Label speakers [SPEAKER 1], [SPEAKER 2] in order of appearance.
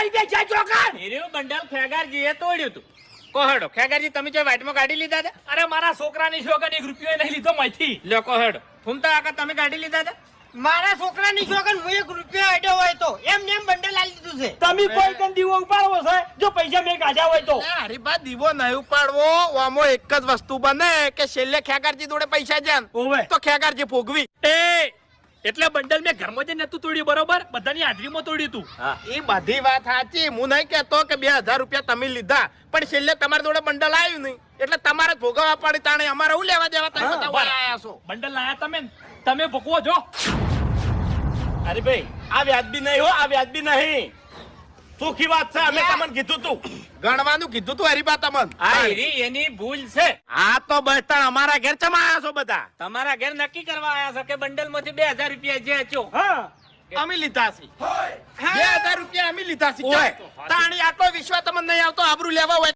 [SPEAKER 1] રૂપિયા ક્યાં ચોકા
[SPEAKER 2] હીરું બંડલ ખેગારજીએ તોડ્યું તું. કોહડો ખેગારજી તમે જો વાઇટમાં ગાડી લીધા હતા?
[SPEAKER 1] અરે મારા છોકરાની શોકન 1 રૂપિયો નહીં લીધો માંથી.
[SPEAKER 2] લ્યો કોહડો. ફૂમતા કાકા તમે ગાડી લીધા હતા?
[SPEAKER 3] મારા છોકરાની શોકન હું 1 રૂપિયો આડ્યો હોય તો એમ નેમ બંડલ આલી દીધું છે.
[SPEAKER 1] તમે કોઈ કન દીવો ઉપાડવો છે જો પૈસા મેં કાઢ્યા હોય તો.
[SPEAKER 4] હરીબા દીવો નહીં ઉપાડવો, આમાં એક જ વસ્તુ બને કે છેલ્લે ખેગારજી જોડે પૈસા જાન
[SPEAKER 1] ઓવે
[SPEAKER 4] તો ખેગારજી ભોગવી.
[SPEAKER 1] એ એટલે બંડલ મેં ઘરમાં જઈને નતું તોડ્યું બરોબર, બધાની હાજરીમાં તોડ્યું તું.
[SPEAKER 4] એ બધી વાત સાચી, હું નહીં કેતો કે 2000 રૂપિયા તમે લીધા, પણ છેલ્લે તમારી જોડે બંડલ આવ્યું નહીં એટલે તમારે જ ભોગવવા પડે. તાણે અમારે હું લેવા દેવા તમે બધા વાળા આયા છો.
[SPEAKER 1] બંડલ લાયા તમે ભોગવો જો.
[SPEAKER 5] અરે ભાઈ આ વ્યાજબી નહીં હો, આ વ્યાજબી નહીં. સુખી વાત છે, અમે તમને કીધું તું.
[SPEAKER 4] ગણવાનું કીધું તું હરીબા તમને.
[SPEAKER 2] આ હીરી એની ભૂલ છે.
[SPEAKER 4] હા તો બહેતર અમારા ઘેર ચમ આયા છો બધા?
[SPEAKER 2] તમારા ઘેર નક્કી કરવા આયા છો કે બંડલ માંથી 2000 રૂપિયા જે હચ્યો.
[SPEAKER 1] હા
[SPEAKER 4] અમે લીધા છે 2000 રૂપિયા અમે લીધા છે. તાણી આટલો વિશ્વાસ તમને નહીં આવતો આબરૂ લેવા હોય